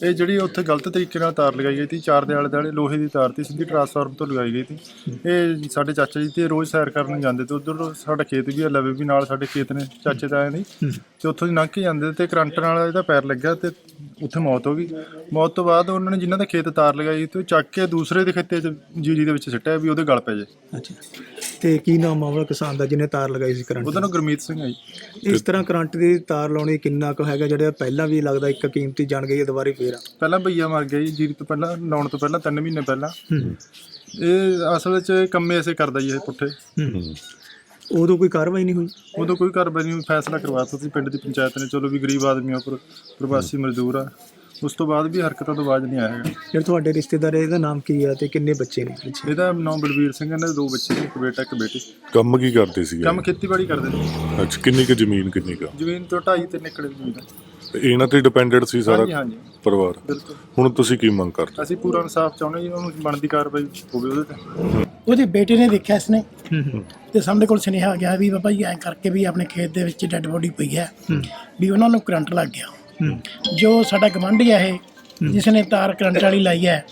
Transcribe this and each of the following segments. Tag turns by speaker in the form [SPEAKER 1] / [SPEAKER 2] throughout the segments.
[SPEAKER 1] ਇਹ ਜਿਹੜੀ ਉੱਥੇ ਗਲਤ ਤਰੀਕੇ ਨਾਲ ਤਾਰ ਲਗਾਈ ਗਈ ਸੀ, 4 ਦੇ ਆਲੇ ਦੁਆਲੇ ਲੋਹੇ ਦੀ ਤਾਰ ਤੀ, ਸਿੱਧੀ ਟਰਾਂਸਫਾਰਮਰ ਤੋਂ ਲਗਾਈ ਗਈ ਸੀ। ਇਹ ਸਾਡੇ ਚਾਚਾ ਜੀ ਤੇ ਰੋਜ਼ ਸੈਰ ਕਰਨ ਜਾਂਦੇ ਤੇ ਉੱਧਰ ਸਾਡਾ ਖੇਤ ਵੀ ਆ, ਲਵੇ ਵੀ ਨਾਲ ਸਾਡੇ ਖੇਤ ਨੇ ਚਾਚੇ ਤਾਇਆਂ ਦੀ, ਤੇ ਉੱਥੋਂ ਦੀ ਲੰਘ ਕੇ ਜਾਂਦੇ ਤੇ ਕਰੰਟ ਨਾਲ ਇਹਦਾ ਪੈਰ ਲੱਗਿਆ ਤੇ ਉੱਥੇ ਮੌਤ ਹੋ ਗਈ। ਮੌਤ ਤੋਂ ਬਾਅਦ ਉਹਨਾਂ ਨੇ ਜਿਨ੍ਹਾਂ ਦੇ ਖੇਤ ਤਾਰ ਲਗਾਈ ਤੇ ਉਹ ਚੱਕ ਕੇ ਦੂਸਰੇ ਦੇ ਖੇਤੇ 'ਚ ਜੀਰੀ ਦੇ ਵਿੱਚ ਸਿੱਟਿਆ ਵੀ ਉਹਦੇ ਗਲ ਪੈ ਜੇ।
[SPEAKER 2] ਅੱਛਾ, ਤੇ ਕੀ ਨਾਮ ਮਾਮਲਾ ਕਿਸਾਨ ਦਾ ਜਿਹਨੇ ਤਾਰ ਲਗਾਈ ਸੀ ਕਰੰਟ?
[SPEAKER 1] ਉਹਦਾ ਨਾਮ ਗੁਰਮੀਤ ਸਿੰਘ ਹੈ ਜੀ।
[SPEAKER 2] ਇਸ ਤਰ੍ਹਾਂ ਕਰੰਟ ਦੀ ਤਾਰ ਲਾਉਣੀ ਕਿੰਨਾ ਕੁ ਹੈਗਾ, ਜਿਹੜਾ ਪਹਿਲਾਂ ਵੀ ਲੱਗਦਾ ਇੱਕ ਕੀਮਤੀ ਜਾਣ ਗਈ ਹੈ ਦੁਬਾਰੇ ਫੇਰ?
[SPEAKER 1] ਪਹਿਲਾਂ ਭਈਆ ਮਰ ਗਿਆ ਜੀ ਜੀਰੀ ਤੋਂ ਪਹਿਲਾਂ, ਲਾਉਣ ਤੋਂ ਪਹਿਲਾਂ 3 ਮਹੀਨੇ ਪਹਿਲਾਂ। ਇਹ ਅਸਲ ਵਿੱਚ ਕੰਮੇ ਐਸੇ ਕਰਦਾ ਜੀ ਇਹ ਪੁੱਠੇ।
[SPEAKER 2] ਉਦੋਂ ਕੋਈ ਕਾਰਵਾਈ ਨਹੀਂ ਹੋਈ?
[SPEAKER 1] ਉਦੋਂ ਕੋਈ ਕਾਰਵਾਈ ਨਹੀਂ ਹੋਈ, ਫੈਸਲਾ ਕਰਵਾਤਾ ਸੀ ਪਿੰਡ ਦੀ ਪੰਚਾਇਤ ਨੇ, ਚਲੋ ਵੀ ਗਰੀਬ ਆਦਮੀ ਉੱਪਰ ਪ੍ਰਵਾਸੀ ਮਜ਼ਦੂਰ ਆ। ਉਸ ਤੋਂ ਬਾਅਦ ਵੀ ਹਰਕਤਾਂ ਤੋਂ ਬਾਅਦ ਨਹੀਂ ਆਇਆ ਹੈਗਾ।
[SPEAKER 2] ਜਿਹੜਾ ਤੁਹਾਡੇ ਰਿਸ਼ਤੇਦਾਰ ਇਹਦਾ ਨਾਮ ਕੀ ਹੈ ਤੇ ਕਿੰਨੇ ਬੱਚੇ ਨੇ?
[SPEAKER 1] ਇਹਦਾ ਨਾਮ ਬਲਵੀਰ ਸਿੰਘ, ਇਹਨਾਂ ਦੇ 2 ਬੱਚੇ ਨੇ, ਇੱਕ ਬੇਟਾ ਇੱਕ ਬੇਟੀ।
[SPEAKER 3] ਕੰਮ ਕੀ ਕਰਦੇ ਸੀਗੇ?
[SPEAKER 1] ਕੰਮ ਖੇਤੀਬਾੜੀ ਕਰਦੇ ਨੇ।
[SPEAKER 3] ਅੱਛਾ, ਕਿੰਨੀ ਕੁ ਜ਼ਮੀਨ ਕਿੰਨੀ ਕੁ?
[SPEAKER 1] ਜ਼ਮੀਨ ਤੋਂ 2.5-3 ਏਕੜ ਜ਼ਮੀਨ ਹੈ।
[SPEAKER 3] ਇਹਨਾਂ ਤੇ ਡਿਪੈਂਡੈਂਟ ਸੀ ਸਾਰਾ
[SPEAKER 1] ਹਾਂਜੀ
[SPEAKER 3] ਪਰਿਵਾਰ?
[SPEAKER 1] ਬਿਲਕੁਲ।
[SPEAKER 3] ਹੁਣ ਤੁਸੀਂ ਕੀ ਮੰਗ ਕਰਦੇ?
[SPEAKER 1] ਅਸੀਂ ਪੂਰਾ ਇਨਸਾਫ ਚਾਹੁੰਦੇ ਜੀ, ਉਹਨੂੰ ਬਣਦੀ ਕਾਰਵਾਈ ਹੋਵੇ ਉਹਦੇ ਤੇ।
[SPEAKER 4] ਉਹਦੇ ਬੇਟੇ ਨੇ ਦੇਖਿਆ ਇਸਨੇ ਤੇ ਸਾਡੇ ਕੋਲ ਸੁਨੇਹਾ ਆ ਗਿਆ ਵੀ ਬਾਬਾ ਜੀ ਐਂ ਕਰਕੇ ਵੀ ਆਪਣੇ ਖੇਤ ਦੇ ਵਿੱਚ ਡੈੱਡ ਬੋਡੀ ਪਈ ਹੈ ਵੀ ਉਹਨਾਂ ਨੂੰ ਕਰੰਟ ਲੱਗ ਗਿਆ। ਜੋ ਸਾਡਾ ਗਵਾਂਢੀ ਹੈ ਇਹ, ਜਿਸ ਨੇ ਤਾਰ ਕਰੰਟ ਵਾਲੀ ਲਾਈ ਹੈ,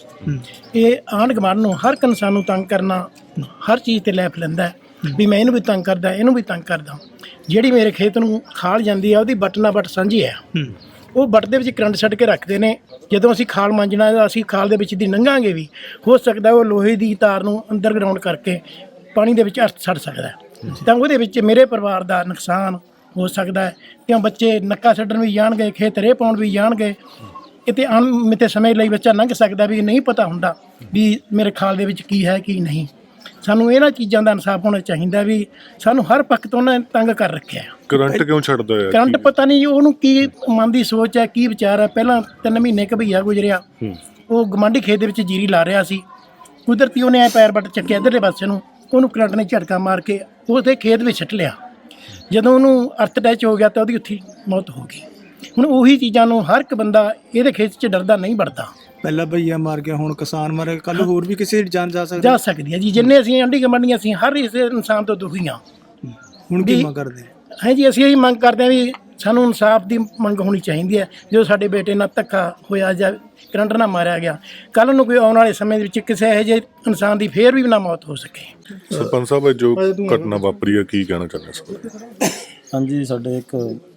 [SPEAKER 4] ਇਹ ਆਂਢ ਗੁਆਂਢ ਨੂੰ ਹਰ ਇੱਕ ਇਨਸਾਨ ਨੂੰ ਤੰਗ ਕਰਨਾ, ਹਰ ਚੀਜ਼ ਤੇ ਲੈਫ ਲੈਂਦਾ ਵੀ ਮੈਂ ਇਹਨੂੰ ਵੀ ਤੰਗ ਕਰਦਾ, ਇਹਨੂੰ ਵੀ ਤੰਗ ਕਰਦਾ। ਜਿਹੜੀ ਮੇਰੇ ਖੇਤ ਨੂੰ ਖਾਲ ਜਾਂਦੀ ਆ ਉਹਦੀ ਬੱਟ ਨਾਲ ਬੱਟ ਸਾਂਝੀ ਹੈ, ਉਹ ਬੱਟ ਦੇ ਵਿੱਚ ਕਰੰਟ ਛੱਡ ਕੇ ਰੱਖਦੇ ਨੇ। ਜਦੋਂ ਅਸੀਂ ਖਾਲ ਮਾਂਜਣਾ, ਅਸੀਂ ਖਾਲ ਦੇ ਵਿੱਚ ਦੀ ਲੰਘਾਂਗੇ ਵੀ, ਹੋ ਸਕਦਾ ਉਹ ਲੋਹੇ ਦੀ ਤਾਰ ਨੂੰ ਅੰਡਰਗਰਾਊਂਡ ਕਰਕੇ ਪਾਣੀ ਦੇ ਵਿੱਚ ਛੱਡ ਸਕਦਾ, ਤਾਂ ਉਹਦੇ ਵਿੱਚ ਮੇਰੇ ਪਰਿਵਾਰ ਦਾ ਨੁਕਸਾਨ ਹੋ ਸਕਦਾ ਹੈ। ਕਿਉਂ ਬੱਚੇ ਨੱਕਾ ਛੱਡਣ ਵੀ ਜਾਣਗੇ, ਖੇਤ ਰੇਹ ਪਾਉਣ ਵੀ ਜਾਣਗੇ, ਕਿਤੇ ਅਣਮਿੱਥੇ ਸਮੇਂ ਲਈ ਬੱਚਾ ਲੰਘ ਸਕਦਾ ਵੀ ਨਹੀਂ ਪਤਾ ਹੁੰਦਾ ਵੀ ਮੇਰੇ ਖਾਲ ਦੇ ਵਿੱਚ ਕੀ ਹੈ ਕੀ ਨਹੀਂ। ਸਾਨੂੰ ਇਹਨਾਂ ਚੀਜ਼ਾਂ ਦਾ ਇਨਸਾਫ ਹੋਣਾ ਚਾਹੀਦਾ ਵੀ ਸਾਨੂੰ ਹਰ ਪੱਖ ਤੋਂ ਉਹਨਾਂ ਨੇ ਤੰਗ ਕਰ ਰੱਖਿਆ।
[SPEAKER 3] ਕਰੰਟ ਕਿਉਂ ਛੱਡਦਾ ਹੈ?
[SPEAKER 4] ਕਰੰਟ ਪਤਾ ਨਹੀਂ ਉਹਨੂੰ ਕੀ ਮਨ ਦੀ ਸੋਚ ਹੈ, ਕੀ ਵਿਚਾਰ ਹੈ। ਪਹਿਲਾਂ 3 ਮਹੀਨੇ ਭਈਆ ਗੁਜ਼ਰਿਆ, ਉਹ ਗਵਾਂਢੀ ਖੇਤ ਦੇ ਵਿੱਚ ਜੀਰੀ ਲਾ ਰਿਹਾ ਸੀ, ਕੁਦਰਤੀ ਉਹਨੇ ਪੈਰ ਵੱਟ ਚੱਕਿਆ ਇੱਧਰਲੇ ਪਾਸੇ ਨੂੰ, ਉਹਨੂੰ ਕਰੰਟ ਨੇ ਝਟਕਾ ਮਾਰ ਕੇ ਉਹਦੇ ਖੇਤ ਵਿੱਚ ਸੁੱਟ ਲਿਆ। ਜਦੋਂ ਉਹਨੂੰ ਅਰਥ ਅਟੈਚ ਹੋ ਗਿਆ ਤਾਂ ਉਹਦੀ ਉੱਥੇ ਮੌਤ ਹੋ ਗਈ। ਹੁਣ ਉਹੀ ਚੀਜ਼ਾਂ ਨੂੰ ਹਰ ਇੱਕ ਬੰਦਾ ਇਹਦੇ ਖੇਤ 'ਚ ਡਰਦਾ ਨਹੀਂ ਵੜਦਾ।
[SPEAKER 2] ਪਹਿਲਾਂ ਭਈਆ ਮਾਰ ਗਿਆ, ਹੁਣ ਕਿਸਾਨ ਮਰ ਗਿਆ, ਕੱਲ ਹੋਰ ਵੀ ਕਿਸੇ ਦੀ ਜਾਨ ਜਾ ਸਕਦੀ
[SPEAKER 4] ਹੈ ਜੀ। ਜਿੰਨੇ ਅਸੀਂ ਆਂਢੀ ਗੁਆਂਢੀ ਅਸੀਂ ਹਰ ਇਸ ਇਨਸਾਨ ਤੋਂ ਦੁਖੀ ਹਾਂ।
[SPEAKER 2] ਹੁਣ ਕੀ ਮੰਗ ਕਰਦੇ
[SPEAKER 4] ਹੈ ਜੀ? ਅਸੀਂ ਇਹੀ ਮੰਗ ਕਰਦੇ ਹਾਂ ਵੀ ਸਾਨੂੰ ਇਨਸਾਫ ਦੀ ਮੰਗ ਹੋਣੀ ਚਾਹੀਦੀ ਹੈ। ਜੋ ਸਾਡੇ ਬੇਟੇ ਨਾਲ ਧੱਕਾ ਹੋਇਆ ਜਾਂ ਕਰੰਟ ਨਾਲ ਮਾਰਿਆ ਗਿਆ, ਕੱਲ੍ਹ ਨੂੰ ਕੋਈ ਆਉਣ ਵਾਲੇ ਸਮੇਂ ਦੇ ਵਿੱਚ ਕਿਸੇ ਇਹੋ ਜਿਹੇ ਇਨਸਾਨ ਦੀ ਫੇਰ ਵੀ ਨਾ ਮੌਤ ਹੋ ਸਕੇ।
[SPEAKER 3] ਸਰਪੰਚ ਸਾਹਿਬ, ਜੋ ਘਟਨਾ ਵਾਪਰੀ ਹੈ ਕੀ ਕਹਿਣਾ ਚਾਹੁੰਦੇ ਸਰ?
[SPEAKER 5] ਹਾਂਜੀ, ਸਾਡੇ ਇੱਕ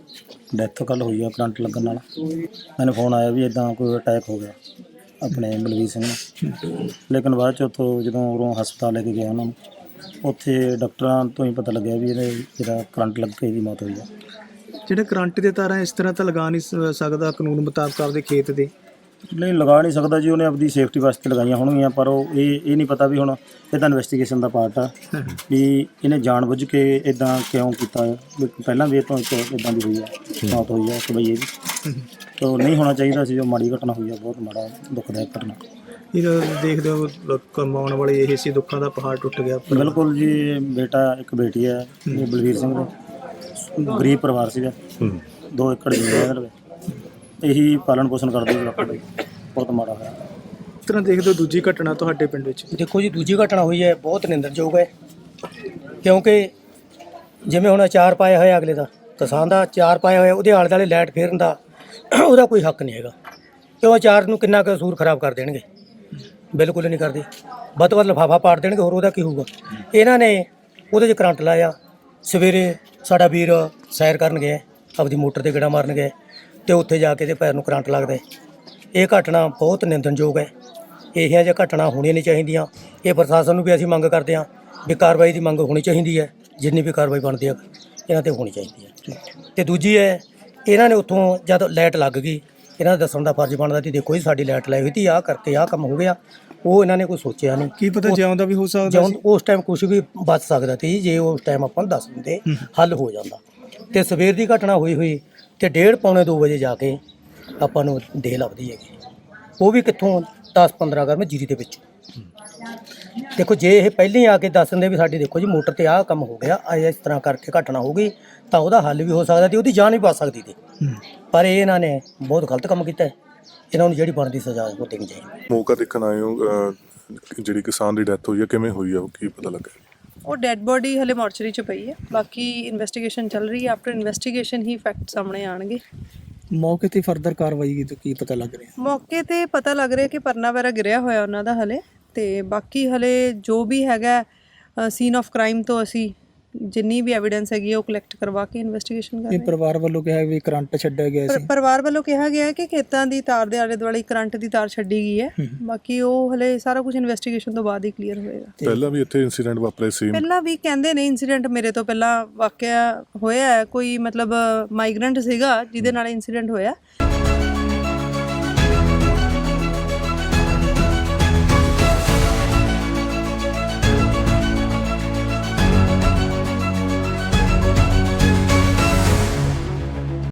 [SPEAKER 5] ਡੈਥ ਕੱਲ੍ਹ ਹੋਈ ਆ ਕਰੰਟ ਲੱਗਣ ਨਾਲ। ਮੈਨੂੰ ਫੋਨ ਆਇਆ ਵੀ ਇੱਦਾਂ ਕੋਈ ਅਟੈਕ ਹੋ ਗਿਆ ਆਪਣੇ ਬਲਵੀਰ ਸਿੰਘ ਨੂੰ, ਲੇਕਿਨ ਬਾਅਦ 'ਚ ਉੱਥੋਂ ਜਦੋਂ ਉਰੋਂ ਹਸਪਤਾਲ ਲੈ ਕੇ ਗਿਆ ਉਹਨਾਂ ਨੂੰ, ਉੱਥੇ ਡਾਕਟਰਾਂ ਤੋਂ ਹੀ ਪਤਾ ਲੱਗਿਆ ਵੀ ਇਹਦੇ ਜਿਹੜਾ ਕਰੰਟ ਲੱਗ ਕੇ ਇਹਦੀ ਮੌਤ ਹੋਈ ਆ।
[SPEAKER 2] ਜਿਹੜੇ ਕਰੰਟ ਦੇ ਤਾਰਾਂ ਇਸ ਤਰ੍ਹਾਂ ਤਾਂ ਲਗਾ ਨਹੀਂ ਸਕਦਾ ਕਾਨੂੰਨ ਮੁਤਾਬਕ ਆਪਦੇ ਖੇਤ ਦੇ?
[SPEAKER 5] ਨਹੀਂ, ਲਗਾ ਨਹੀਂ ਸਕਦਾ ਜੀ, ਉਹਨੇ ਆਪਣੀ ਸੇਫਟੀ ਵਾਸਤੇ ਲਗਾਈਆਂ ਹੋਣਗੀਆਂ, ਪਰ ਉਹ ਇਹ ਨਹੀਂ ਪਤਾ ਵੀ ਹੁਣ ਇਹਦਾ ਇਨਵੈਸਟੀਗੇਸ਼ਨ ਦਾ ਪਾਰਟ ਆ ਵੀ ਇਹਨੇ ਜਾਣਬੁੱਝ ਕੇ ਇਦਾਂ ਕਿਉਂ ਕੀਤਾ। ਪਹਿਲਾਂ ਵੀ ਇਹ ਤੋਂ ਇੱਕ ਇੱਦਾਂ ਦੀ ਹੋਈ ਆ, ਮੌਤ ਹੋਈ ਆ ਕਿ ਬਈ ਇਹ ਵੀ ਤਾਂ ਨਹੀਂ ਹੋਣਾ ਚਾਹੀਦਾ ਸੀ। ਜੋ ਮਾੜੀ ਘਟਨਾ ਹੋਈ ਆ, ਬਹੁਤ ਮਾੜਾ ਦੁਖਦਾਇਕ ਘਟਨਾ।
[SPEAKER 2] ਇਹ ਦੇਖਦੇ ਹੋ ਕਮਾਉਣ ਵਾਲੇ ਇਹ ਸੀ, ਦੁੱਖਾਂ ਦਾ ਪਹਾੜ ਟੁੱਟ ਗਿਆ।
[SPEAKER 5] ਬਿਲਕੁਲ ਜੀ, ਬੇਟਾ ਇੱਕ ਬੇਟੀ ਹੈ ਬਲਵੀਰ ਸਿੰਘ ਦੇ, ਗਰੀਬ ਪਰਿਵਾਰ ਸੀਗਾ, 2 ਏਕੜ ਜ਼ਮੀਨ ਇਹੀ ਪਾਲਣ ਪੋਸ਼ਣ ਕਰਦੇ ਸੀ ਆਪਣੇ। ਬਹੁਤ ਮਾੜਾ ਹੋਇਆ।
[SPEAKER 2] ਇਸ ਤਰ੍ਹਾਂ ਦੇਖਦੇ ਹੋ ਦੂਜੀ ਘਟਨਾ ਤੁਹਾਡੇ ਪਿੰਡ ਵਿੱਚ?
[SPEAKER 6] ਦੇਖੋ ਜੀ, ਦੂਜੀ ਘਟਨਾ ਹੋਈ ਹੈ, ਬਹੁਤ ਨਿੰਦਣਯੋਗ ਹੈ, ਕਿਉਂਕਿ ਜਿਵੇਂ ਹੁਣ ਅਚਾਰ ਪਾਇਆ ਹੋਇਆ ਅਗਲੇ ਦਾ, ਕਿਸਾਨ ਦਾ ਅਚਾਰ ਪਾਇਆ ਹੋਇਆ, ਉਹਦੇ ਆਲੇ ਦੁਆਲੇ ਲਾਈਟ ਫੇਰਨ ਦਾ ਉਹਦਾ ਕੋਈ ਹੱਕ ਨਹੀਂ ਹੈਗਾ। ਕਿਉਂ ਅਚਾਰ ਨੂੰ ਕਿੰਨਾ ਕੁ ਕਸੂਰ ਖਰਾਬ ਕਰ ਦੇਣਗੇ? ਬਿਲਕੁਲ ਨਹੀਂ ਕਰਦੇ। ਵੱਧ ਤੋਂ ਵੱਧ ਲਿਫਾਫਾ ਪਾੜ ਦੇਣਗੇ, ਹੋਰ ਉਹਦਾ ਕੀ ਹੋਊਗਾ। ਇਹਨਾਂ ਨੇ ਉਹਦੇ 'ਚ ਕਰੰਟ ਲਾਇਆ। ਸਵੇਰੇ ਸਾਡਾ ਵੀਰ ਸੈਰ ਕਰਨ ਗਿਆ, ਆਪਦੀ ਮੋਟਰ 'ਤੇ ਗੇੜਾ ਮਾਰਨ ਗਏ, ਅਤੇ ਉੱਥੇ ਜਾ ਕੇ ਇਹਦੇ ਪੈਰ ਨੂੰ ਕਰੰਟ ਲੱਗਦਾ। ਇਹ ਘਟਨਾ ਬਹੁਤ ਨਿੰਦਣਯੋਗ ਹੈ। ਇਹੋ ਜਿਹੀਆਂ ਘਟਨਾ ਹੋਣੀਆਂ ਨਹੀਂ ਚਾਹੀਦੀਆਂ। ਇਹ ਪ੍ਰਸ਼ਾਸਨ ਨੂੰ ਵੀ ਅਸੀਂ ਮੰਗ ਕਰਦੇ ਹਾਂ ਵੀ ਕਾਰਵਾਈ ਦੀ ਮੰਗ ਹੋਣੀ ਚਾਹੀਦੀ ਹੈ। ਜਿੰਨੀ ਵੀ ਕਾਰਵਾਈ ਬਣਦੀ ਹੈ ਇਹਨਾਂ 'ਤੇ ਹੋਣੀ ਚਾਹੀਦੀ ਹੈ। ਅਤੇ ਦੂਜੀ ਹੈ, ਇਹਨਾਂ ਨੇ ਉੱਥੋਂ ਜਦ ਲਾਈਟ ਲੱਗ ਗਈ, ਇਹਨਾਂ ਦਾ ਦੱਸਣ ਦਾ ਫਰਜ਼ ਬਣਦਾ ਸੀ, ਦੇਖੋ ਜੀ ਸਾਡੀ ਲਾਈਟ ਲਾਈ ਹੋਈ ਸੀ, ਆਹ ਕਰਕੇ ਆਹ ਕੰਮ ਹੋ ਗਿਆ। ਉਹ ਇਹਨਾਂ ਨੇ ਕੋਈ ਸੋਚਿਆ ਨਹੀਂ।
[SPEAKER 2] ਕੀ ਪਤਾ ਜਿਉਂਦਾ ਵੀ ਹੋ ਸਕਦਾ ਸੀ
[SPEAKER 6] ਉਸ ਟਾਈਮ, ਕੁਛ ਵੀ ਬਚ ਸਕਦਾ ਸੀ ਜੇ ਉਸ ਟਾਈਮ ਆਪਾਂ ਨੂੰ ਦੱਸ ਦਿੰਦੇ, ਹੱਲ ਹੋ ਜਾਂਦਾ। ਅਤੇ ਸਵੇਰ ਦੀ ਘਟਨਾ ਹੋਈ ਅਤੇ 1:30 ਪੌਣੇ 2 ਵਜੇ ਜਾ ਕੇ ਆਪਾਂ ਨੂੰ ਦੇਹ ਲੱਭਦੀ ਹੈਗੀ, ਉਹ ਵੀ ਕਿੱਥੋਂ 10-15 ਗਰਮ ਜੀਰੀ ਦੇ ਵਿੱਚ। ਦੇਖੋ ਜੇ ਇਹ ਪਹਿਲਾਂ ਹੀ ਆ ਕੇ ਦੱਸ ਦਿੰਦੇ ਵੀ ਸਾਡੀ ਦੇਖੋ ਜੀ ਮੋਟਰ 'ਤੇ ਆਹ ਕੰਮ ਹੋ ਗਿਆ, ਇਸ ਤਰ੍ਹਾਂ ਕਰਕੇ ਘਟਨਾ ਹੋ ਗਈ, ਤਾਂ ਉਹਦਾ ਹੱਲ ਵੀ ਹੋ ਸਕਦਾ ਸੀ, ਉਹਦੀ ਜਾਨ ਵੀ ਬਚ ਸਕਦੀ ਸੀ। ਪਰ ਇਹਨਾਂ ਨੇ ਬਹੁਤ ਗਲਤ ਕੰਮ ਕੀਤਾ। ਇਹਨਾਂ ਨੂੰ ਜਿਹੜੀ ਬਣਦੀ ਸਜ਼ਾ ਉਹ ਦੇਣੀ ਚਾਹੀਦੀ।
[SPEAKER 3] ਮੌਕਾ ਦੇਖਣ ਆਏ ਹੋ, ਜਿਹੜੀ ਕਿਸਾਨ ਦੀ ਡੈਥ ਹੋਈ ਹੈ, ਕਿਵੇਂ ਹੋਈ ਆ, ਉਹ ਕੀ ਪਤਾ ਲੱਗਾ?
[SPEAKER 7] ਉਹ ਡੈੱਡ ਬੋਡੀ ਹਲੇ ਮੋਰਚਰੀ 'ਚ ਪਈ ਹੈ, ਬਾਕੀ ਇਨਵੈਸਟੀਗੇਸ਼ਨ ਚੱਲ ਰਹੀ ਹੈ। ਆਫਟਰ ਇਨਵੈਸਟੀਗੇਸ਼ਨ ਹੀ ਫੈਕਟ ਸਾਹਮਣੇ ਆਉਣਗੇ।
[SPEAKER 2] ਮੌਕੇ ਤੇ ਫਰਦਰ ਕਾਰਵਾਈ ਕੀ ਪਤਾ ਲੱਗ ਰਿਹਾ?
[SPEAKER 7] ਮੌਕੇ ਤੇ ਪਤਾ ਲੱਗ ਰਿਹਾ ਕਿ ਪਰਨਾ ਵਗੈਰਾ ਗਿਰਿਆ ਹੋਇਆ ਉਹਨਾਂ ਦਾ ਹਲੇ, ਤੇ ਬਾਕੀ ਹਲੇ ਜੋ ਵੀ ਹੈਗਾ ਸੀਨ ਆਫ ਕ੍ਰਾਈਮ ਤੋਂ ਅਸੀਂ ਜਿੰਨੀ ਵੀ ਐਵੀਡੈਂਸ ਹੈਗੀ ਹੈ ਉਹ ਕਲੈਕਟ ਕਰਵਾ ਕੇ ਇਨਵੈਸਟੀਗੇਸ਼ਨ ਕਰ ਰਹੇ
[SPEAKER 2] ਇਹ
[SPEAKER 7] ਹਾਂ।
[SPEAKER 2] ਪਰਿਵਾਰ ਵੱਲੋਂ ਕਿਹਾ ਵੀ ਕਰੰਟ ਛੱਡਿਆ ਗਿਆ ਸੀ।
[SPEAKER 7] ਪਰਿਵਾਰ ਵੱਲੋਂ ਕਿਹਾ ਗਿਆ ਹੈ ਕਿ ਖੇਤਾਂ ਦੀ ਤਾਰ ਦੇ ਆਲੇ ਦੁਆਲੇ ਕਰੰਟ ਦੀ ਤਾਰ ਛੱਡੀ ਗਈ ਹੈ, ਬਾਕੀ ਉਹ ਹਲੇ ਸਾਰਾ ਕੁਝ ਇਨਵੈਸਟੀਗੇਸ਼ਨ ਤੋਂ ਬਾਅਦ ਹੀ ਕਲੀਅਰ ਹੋਏਗਾ।
[SPEAKER 3] ਪਹਿਲਾਂ ਵੀ ਇੱਥੇ ਇਨਸੀਡੈਂਟ ਵਾਪਰੇ ਸੀ।
[SPEAKER 7] ਪਹਿਲਾਂ ਵੀ ਕਹਿੰਦੇ ਨੇ ਇਨਸੀਡੈਂਟ ਮੇਰੇ ਤੋਂ ਪਹਿਲਾਂ ਵਾਕਿਆ ਹੋਇਆ ਹੈ, ਕੋਈ ਮਤਲਬ ਮਾਈਗ੍ਰੈਂਟ ਸੀਗਾ ਜਿਹਦੇ ਨਾਲ ਇਨਸੀਡੈਂਟ ਹੋਇਆ।